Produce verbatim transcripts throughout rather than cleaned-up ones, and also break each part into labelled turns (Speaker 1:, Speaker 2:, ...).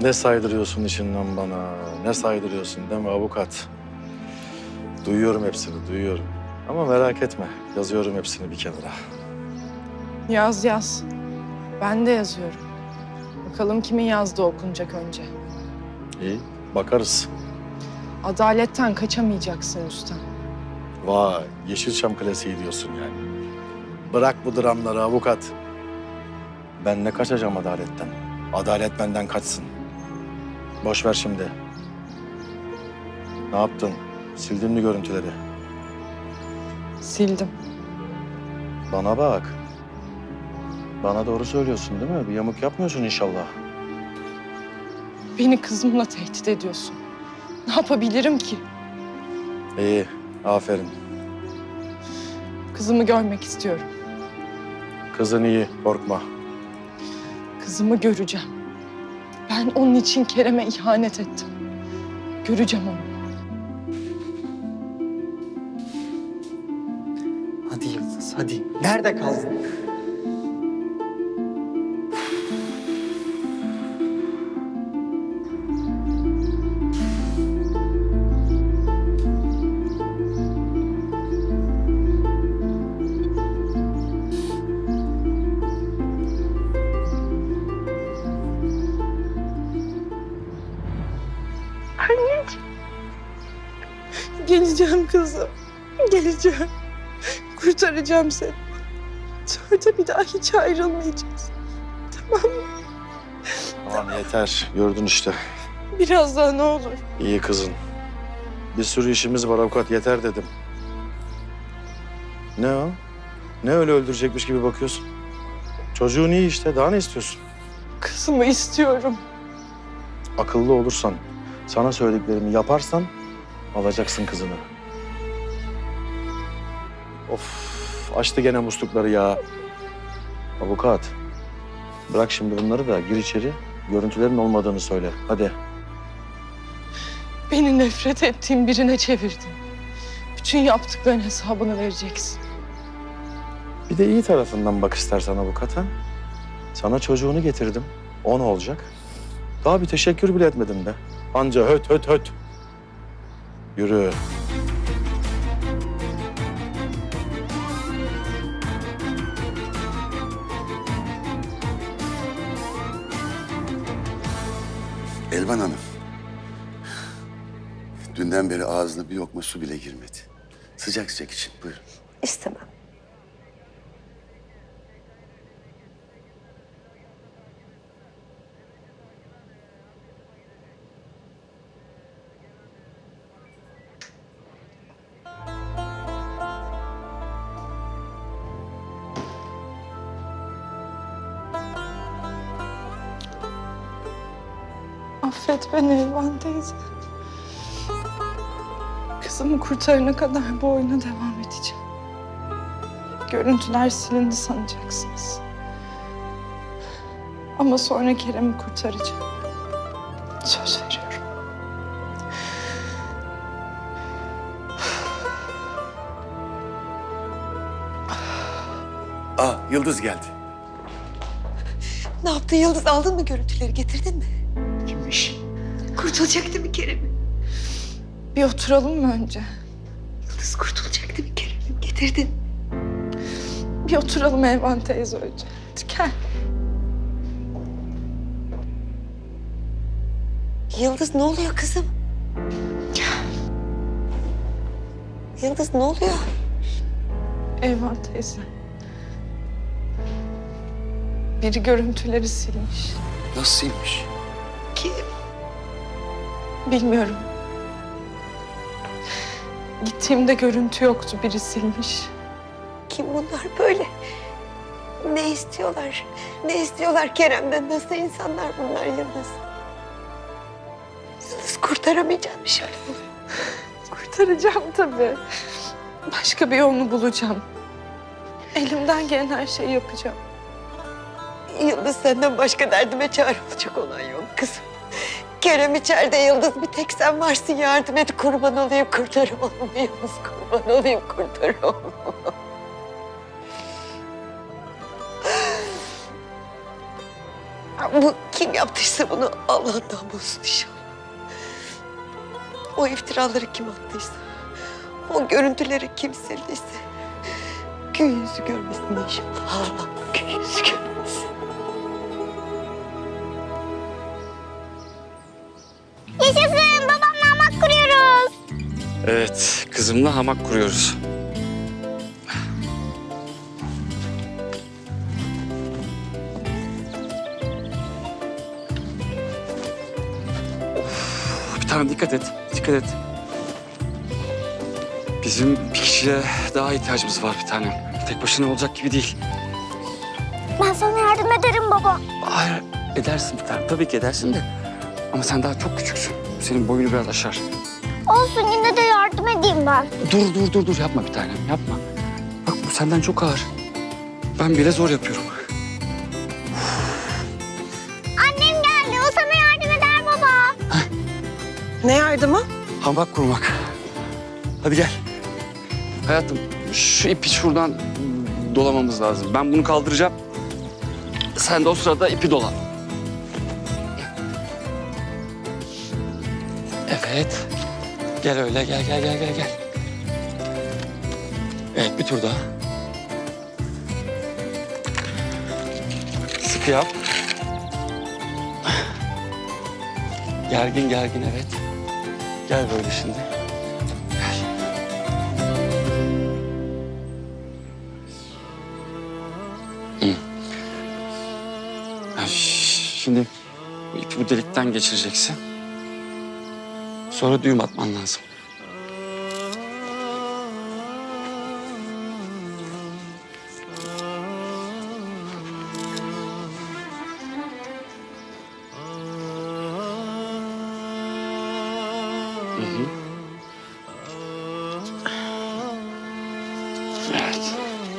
Speaker 1: Ne saydırıyorsun içinden bana, ne saydırıyorsun değil mi avukat? Duyuyorum hepsini, duyuyorum. Ama merak etme, yazıyorum hepsini bir kenara.
Speaker 2: Yaz yaz. Ben de yazıyorum. Bakalım kimin yazdığı okunacak önce.
Speaker 1: İyi, bakarız.
Speaker 2: Adaletten kaçamayacaksın Rüstem.
Speaker 1: Vay, Yeşilçam klasiği diyorsun yani. Bırak bu dramları avukat. Ben ne kaçacağım adaletten? Adalet benden kaçsın. Boş ver şimdi. Ne yaptın? Sildin mi görüntüleri?
Speaker 2: Sildim.
Speaker 1: Bana bak. Bana doğru söylüyorsun değil mi? Bir yamuk yapmıyorsun inşallah.
Speaker 2: Beni kızımla tehdit ediyorsun. Ne yapabilirim ki?
Speaker 1: İyi, aferin.
Speaker 2: Kızımı görmek istiyorum.
Speaker 1: Kızın iyi, korkma.
Speaker 2: Kızımı göreceğim. Ben onun için Kerem'e ihanet ettim. Göreceğim onu.
Speaker 3: Hadi Yıldız, hadi. Nerede kaldın?
Speaker 2: Geleceğim kızım. Geleceğim. Kurtaracağım seni. Sonra da bir daha hiç ayrılmayacağız. Tamam mı?
Speaker 1: Tamam yeter, gördün işte.
Speaker 2: Biraz daha ne olur.
Speaker 1: İyi kızın. Bir sürü işimiz var avukat, yeter dedim. Ne o? Ne öyle öldürecekmiş gibi bakıyorsun? Çocuğun iyi işte, daha ne istiyorsun?
Speaker 2: Kızımı istiyorum.
Speaker 1: Akıllı olursan, sana söylediklerimi yaparsan alacaksın kızını. Of, açtı gene muslukları ya. Avukat, bırak şimdi bunları da gir içeri. Görüntülerin olmadığını söyle, hadi.
Speaker 2: Beni nefret ettiğim birine çevirdin. Bütün yaptıkların hesabını vereceksin.
Speaker 1: Bir de iyi tarafından bak istersen avukata. Sana çocuğunu getirdim. O ne olacak? Daha bir teşekkür bile etmedin be. Anca höt höt höt. Yürü.
Speaker 4: Elvan Hanım. Dünden beri ağzına bir lokma su bile girmedi. Sıcak sıcak için buyurun.
Speaker 5: İstemem.
Speaker 2: Affet beni Elvan teyze. Kızımı kurtarana kadar bu oyuna devam edeceğim. Görüntüler silindi sanacaksınız. Ama sonra Kerem'i kurtaracağım. Söz veriyorum.
Speaker 4: Aa, Yıldız geldi.
Speaker 5: Ne yaptın Yıldız? Aldın mı görüntüleri? Getirdin mi?
Speaker 3: Kimmiş?
Speaker 5: Kurtulacak değil mi Kerem'im?
Speaker 2: Bir oturalım mı önce?
Speaker 5: Yıldız kurtulacak değil mi Kerem'im? Getirdin.
Speaker 2: Bir oturalım Elvan teyze önce. Hadi gel.
Speaker 5: Yıldız ne oluyor kızım? Yıldız ne oluyor?
Speaker 2: Elvan teyze. Biri görüntüleri silmiş.
Speaker 4: Nasılmış?
Speaker 5: Kim?
Speaker 2: Bilmiyorum. Gittiğimde görüntü yoktu. Biri silmiş.
Speaker 5: Kim bunlar böyle? Ne istiyorlar? Ne istiyorlar Kerem'den? Nasıl insanlar bunlar Yıldız? Yıldız kurtaramayacağım şimdi bunu.
Speaker 2: Kurtaracağım tabii. Başka bir yolunu bulacağım. Elimden gelen her şeyi yapacağım.
Speaker 5: Yıldız senden başka derdime çare olacak olan yok kızım. Kerem içeride Yıldız, bir tek sen varsın, yardım et, kurban olayım, kurtar oğlumu Yıldız, kurban olayım, kurtar oğlumu. Bu kim yaptıysa bunu Allah'tan bulsun inşallah. O iftiraları kim attıysa, o görüntüleri kim sildiyse gün yüzü görmesin inşallah. Allah gün yüzü görmesin.
Speaker 6: Yaşasın, babamla hamak kuruyoruz.
Speaker 7: Evet, kızımla hamak kuruyoruz. Of, bir tane dikkat et, dikkat et. Bizim bir kişiye daha ihtiyacımız var bir tane. Tek başına olacak gibi değil.
Speaker 6: Ben sana yardım ederim baba.
Speaker 7: Hayır, edersin bir tane. Tabii ki edersin de. Ama sen daha çok küçüksün. Senin boyunu biraz aşar.
Speaker 6: Olsun, yine de yardım edeyim ben.
Speaker 7: Dur, dur, dur, dur. Yapma bir tanem, yapma. Bak bu senden çok ağır. Ben bile zor yapıyorum.
Speaker 6: Annem geldi, o sana yardım eder baba.
Speaker 2: Ne yardımı?
Speaker 7: Hamak kurmak. Hadi gel. Hayatım, şu ipi şuradan dolamamız lazım. Ben bunu kaldıracağım. Sen de o sırada ipi dola. Evet. Gel öyle, gel, gel, gel, gel, gel. Evet, bir tur daha. Sıkı yap. Gergin, gergin, evet. Gel böyle şimdi. Gel. Hı. Ha, ş- Şimdi bu ipi bu delikten geçireceksin. Sonra düğüm atman lazım. Hı hı. Evet.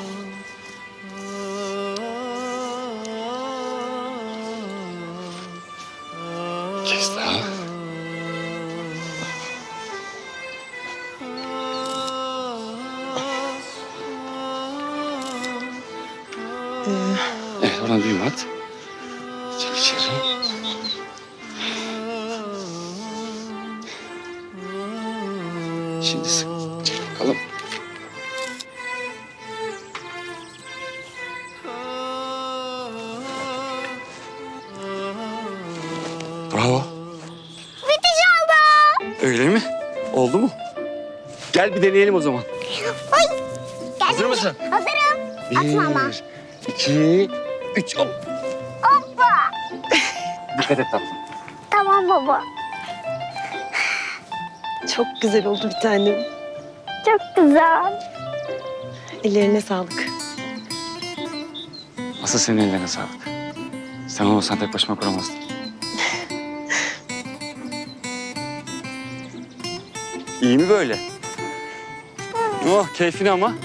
Speaker 7: Kes daha. Evet, oradan düğüm at. Çek içeri. Şimdi sık. Çek bakalım. Bravo.
Speaker 6: Bitiş oldu.
Speaker 7: Öyle mi? Oldu mu? Gel bir deneyelim o zaman.
Speaker 6: Oy. Gel
Speaker 7: Hazır mısın?
Speaker 6: Hazırım. Atma ama.
Speaker 7: Bir, iki, üç. Hop.
Speaker 6: Hoppa.
Speaker 7: Dikkat et tatlım.
Speaker 6: Tamam baba.
Speaker 2: Çok güzel oldu bir tanem.
Speaker 6: Çok güzel.
Speaker 2: Ellerine sağlık.
Speaker 7: Asıl senin ellerine sağlık. Sen olmasan tek başıma kuramazdım. İyi mi böyle? Oh, keyfini ama.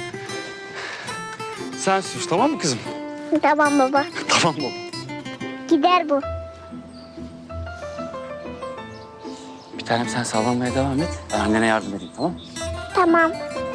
Speaker 7: Sen sür, tamam mı kızım?
Speaker 6: Tamam baba.
Speaker 7: Tamam baba.
Speaker 6: Gider bu.
Speaker 7: Bir tanem sen sallanmaya devam et. Ben annene yardım edeyim, tamam mı?
Speaker 6: Tamam.